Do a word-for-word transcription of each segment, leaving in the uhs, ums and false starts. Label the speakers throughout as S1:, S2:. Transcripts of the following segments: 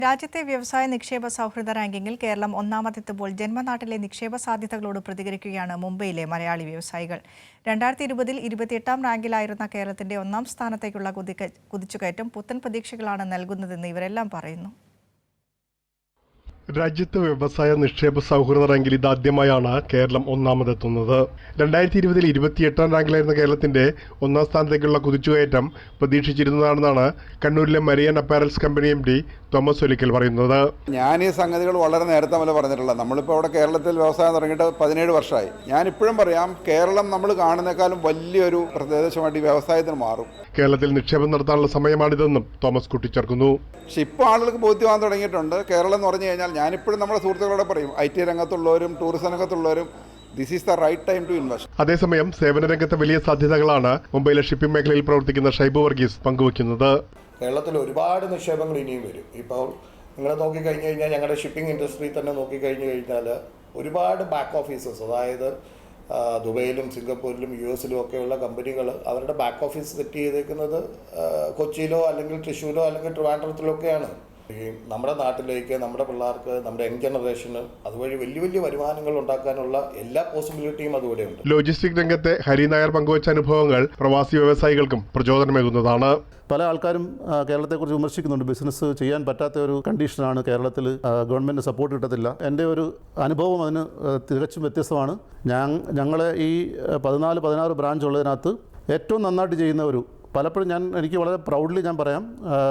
S1: രാജ്യത്തെ വ്യവസായ നിക്ഷേപ സൗഹൃദ റാങ്കിങ്ങിൽ കേരളം ഒന്നാമതെത്തുമ്പോൾ ജന്മനാട്ടിലെ നിക്ഷേപ സാധ്യതകളോട് പ്രതികരിക്കുകയാണ് മുംബൈയിലെ മലയാളി വ്യവസായികൾ. രണ്ടായിരത്തി ഇരുപതിൽ ഇരുപത്തിയെട്ടാം റാങ്കിലായിരുന്ന കേരളത്തിന്റെ ഒന്നാം സ്ഥാനത്തേക്കുള്ള കുതിച്ചുകയറ്റം പുത്തൻ പ്രതീക്ഷകളാണ് നൽകുന്നതെന്ന് ഇവരെല്ലാം പറയുന്നു.
S2: രാജ്യത്തെ വ്യവസായ നിക്ഷേപ സൗഹൃദ റാങ്കിൽ ഇതാദ്യമായാണ് കേരളം ഒന്നാമതെത്തുന്നത്. രണ്ടായിരത്തി ഇരുപതിൽ ഇരുപത്തിയെട്ടാം റാങ്കിലായിരുന്ന കേരളത്തിന്റെ ഒന്നാം സ്ഥാനത്തേക്കുള്ള കുതിച്ചുകയറ്റം പ്രതീക്ഷിച്ചിരുന്നതാണെന്നാണ് കണ്ണൂരിലെ Marian apparels company M D Thomas Olickal പറയുന്നത്.
S3: ഞാൻ ഈ സംഗതികൾ വളരെ നേരത്തെ മുതൽ പറഞ്ഞിട്ടുള്ളത്. നമ്മളിപ്പോൾ അവിടെ കേരളത്തിൽ വ്യവസായം തുടങ്ങിയിട്ട് പതിനേഴ് വർഷമായി. ഞാൻ ഇപ്പോഴും പറയാം, കേരളം നമ്മൾ കാണുന്നേക്കാളും വലിയൊരു പ്രദേശമായിട്ട് ഈ വ്യവസായത്തിന് മാറും.
S2: കേരളത്തിൽ നിക്ഷേപം നടത്താനുള്ള സമയമാണിതെന്നും തോമസ് കൂട്ടിച്ചേർക്കുന്നു.
S3: പക്ഷെ ഇപ്പോൾ ആളുകൾക്ക് ബോധ്യമാകാൻ തുടങ്ങിയിട്ടുണ്ട്. കേരളം എന്ന് പറഞ്ഞു കഴിഞ്ഞാൽ ഞാനിപ്പോഴും നമ്മുടെ സുഹൃത്തുക്കളോട് പറയും, ഐ ടി രംഗത്തുള്ളവരും ടൂറിസം രംഗത്തുള്ളവരും this is the right time to invest.
S2: അതേസമയം സേവന രംഗത്തെ വലിയ സാധ്യതകളാണ് മുംബൈയിലെ ഷിപ്പിംഗ് മേഖലയിൽ പ്രവർത്തിക്കുന്ന ഷൈബു വർഗീസ് പങ്കുവയ്ക്കുന്നത്.
S4: കേരളത്തിൽ ഒരുപാട് നിക്ഷേപങ്ങൾ ഇനിയും വരും. ഇപ്പോൾ നിങ്ങൾ നോക്കിക്കഴിഞ്ഞ് കഴിഞ്ഞാൽ ഞങ്ങളുടെ ഷിപ്പിംഗ് ഇൻഡസ്ട്രി തന്നെ നോക്കിക്കഴിഞ്ഞ് കഴിഞ്ഞാൽ ഒരുപാട് ബാക്ക് ഓഫീസസ്, അതായത് ദുബൈയിലും സിംഗപ്പൂരിലും യു എസിലും ഒക്കെയുള്ള കമ്പനികൾ അവരുടെ ബാക്ക് ഓഫീസ് സെറ്റ് ചെയ്തേക്കുന്നത് കൊച്ചിയിലോ അല്ലെങ്കിൽ തൃശ്ശൂരോ അല്ലെങ്കിൽ ട്രിവാൻഡ്രത്തിലോ ഒക്കെയാണ്. ഈ നമ്മുടെ നാട്ടിലേക്ക് നമ്മുടെ പിള്ളേർക്ക് നമ്മുടെ യങ് ജനറേഷന് അതുവഴി വലിയ വലിയ വരുമാനങ്ങൾ ഉണ്ടാക്കാനുള്ള എല്ലാ പോസിബിലിറ്റിയും അതുകൂടെയുണ്ട്.
S2: ലോജിസ്റ്റിക് രംഗത്തെ ഹരി നായർ പങ്കുവച്ച അനുഭവങ്ങൾ പ്രവാസി വ്യവസായികൾക്കും പ്രചോദനമേകുന്നതാണ്.
S5: പല ആൾക്കാരും കേരളത്തെക്കുറിച്ച് വിമർശിക്കുന്നുണ്ട്. ബിസിനസ് ചെയ്യാൻ പറ്റാത്ത ഒരു കണ്ടീഷനാണ് കേരളത്തിൽ, ഗവൺമെൻറ് സപ്പോർട്ട് കിട്ടത്തില്ല. എൻ്റെ ഒരു അനുഭവം അതിന് തികച്ചും വ്യത്യസ്തമാണ്. ഞാൻ ഞങ്ങളെ ഈ പതിനാല് പതിനാറ് ബ്രാഞ്ച് ഉള്ളതിനകത്ത് ഏറ്റവും നന്നായിട്ട് ചെയ്യുന്ന ഒരു, പലപ്പോഴും ഞാൻ എനിക്ക് വളരെ പ്രൗഡ്ലി ഞാൻ പറയാം,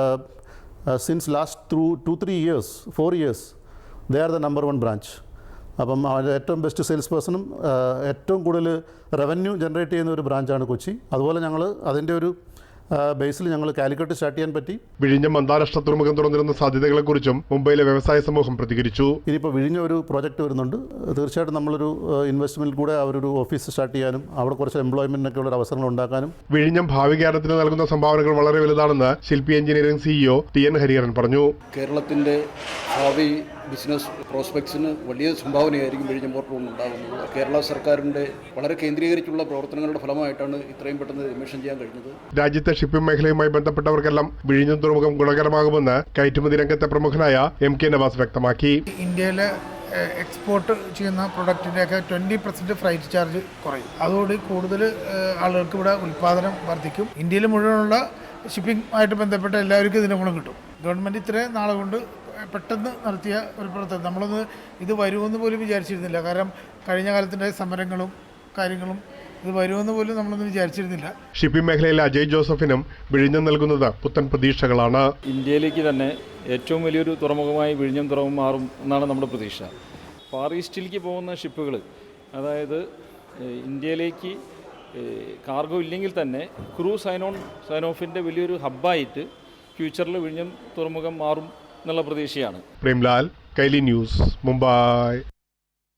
S5: since last through two three years four years they are the number one branch. അപ്പം അതിൻ്റെ ഏറ്റവും ബെസ്റ്റ് സെയിൽസ് പേഴ്സണും ഏറ്റവും കൂടുതൽ റവന്യൂ ജനറേറ്റ് ചെയ്യുന്ന ഒരു ബ്രാഞ്ചാണ് കൊച്ചി. അതുപോലെ ഞങ്ങൾ അതിൻ്റെ ഒരു ബേസിൽ ഞങ്ങൾ കാലിക്കറ്റ് സ്റ്റാർട്ട് ചെയ്യാൻ പറ്റി.
S2: വിഴിഞ്ഞം അന്താരാഷ്ട്ര തുറമുഖം തുറന്നിരുന്ന സാധ്യതകളെക്കുറിച്ചും മുംബൈയിലെ വ്യവസായ സമൂഹം പ്രതികരിച്ചു.
S5: ഇനിയിപ്പോൾ വിഴിഞ്ഞ ഒരു പ്രോജക്റ്റ് വരുന്നുണ്ട്. തീർച്ചയായിട്ടും നമ്മളൊരു ഇൻവെസ്റ്റ്മെൻറ്റിൽ കൂടെ അവരൊരു ഓഫീസ് സ്റ്റാർട്ട് ചെയ്യാനും അവിടെ കുറച്ച് എംപ്ലോയ്മെൻറ്റിനൊക്കെ ഉള്ള അവസരങ്ങൾ ഉണ്ടാക്കാനും.
S2: വിഴിഞ്ഞം ഭാവി കേരളത്തിന് നൽകുന്ന സംഭാവനകൾ വളരെ വലുതാണെന്ന് Shilpi engineering CEO T N Hariharan പറഞ്ഞു.
S6: കേരളത്തിൻ്റെ ഭാവി ബിസിനസ് പ്രോസ്പെക്ട്സിന് വലിയ സംഭാവനയായിരിക്കും വിഴിഞ്ഞം പോർട്ട് ഉണ്ടാകുന്നത്. കേരള സർക്കാരിൻ്റെ വളരെ കേന്ദ്രീകരിച്ചുള്ള പ്രവർത്തനങ്ങളുടെ ഫലമായിട്ടാണ് ഇത്രയും പെട്ടെന്ന് എമിഷൻ ചെയ്യാൻ കഴിഞ്ഞത്.
S2: രാജ്യത്തെ ഷിപ്പിംഗ് മേഖലയുമായി ബന്ധപ്പെട്ടവർക്കെല്ലാം വിഴിഞ്ഞം തുറമുഖം ഗുണകരമാകുമെന്ന് കയറ്റുമതി രംഗത്തെ പ്രമുഖനായ എം കെ നവാസ് വ്യക്തമാക്കി.
S7: ഇന്ത്യയിലെ എക്സ്പോർട്ട് ചെയ്യുന്ന പ്രൊഡക്റ്റിൻ്റെയൊക്കെ ട്വൻറ്റി പെർസെൻറ്റ് ഫ്രൈറ്റ് ചാർജ് കുറയും. അതോടെ കൂടുതൽ ആളുകൾക്ക് ഇവിടെ ഉൽപ്പാദനം വർദ്ധിക്കും. ഇന്ത്യയിൽ മുഴുവനുള്ള ഷിപ്പിംഗ് ആയിട്ട് ബന്ധപ്പെട്ട എല്ലാവർക്കും ഇതിൻ്റെ ഗുണം കിട്ടും. ഗവൺമെൻറ് ഇത്രയും നാളെ കൊണ്ട് പെട്ടെന്ന് നടത്തിയ ഒരു പ്രവർത്തനം നമ്മളൊന്ന് ഇത് വരുമെന്ന് പോലും വിചാരിച്ചിരുന്നില്ല. കാരണം കഴിഞ്ഞ കാലത്തിൻ്റെ സമരങ്ങളും കാര്യങ്ങളും ഇത് വരുമെന്ന് പോലും നമ്മളൊന്നും വിചാരിച്ചിരുന്നില്ല.
S2: ഷിപ്പിംഗ് മേഖലയിലെ അജയ് ജോസഫിനും വിഴിഞ്ഞം നൽകുന്നത് പുത്തൻ പ്രതീക്ഷകളാണ്.
S8: ഇന്ത്യയിലേക്ക് തന്നെ ഏറ്റവും വലിയൊരു തുറമുഖമായി വിഴിഞ്ഞം തുറമുഖം മാറും എന്നാണ് നമ്മുടെ പ്രതീക്ഷ. ഫാർ ഈസ്റ്റിലേക്ക് പോകുന്ന ഷിപ്പുകൾ, അതായത് ഇന്ത്യയിലേക്ക് കാർഗോ ഇല്ലെങ്കിൽ തന്നെ ക്രൂസ് സൈനോൺ സൈനോഫിൻ്റെ വലിയൊരു ഹബ്ബായിട്ട് ഫ്യൂച്ചറിൽ വിഴിഞ്ഞം തുറമുഖം മാറും എന്നുള്ള പ്രതീക്ഷയാണ്.
S2: പ്രേംലാൽ, കൈലി ന്യൂസ്, മുംബൈ.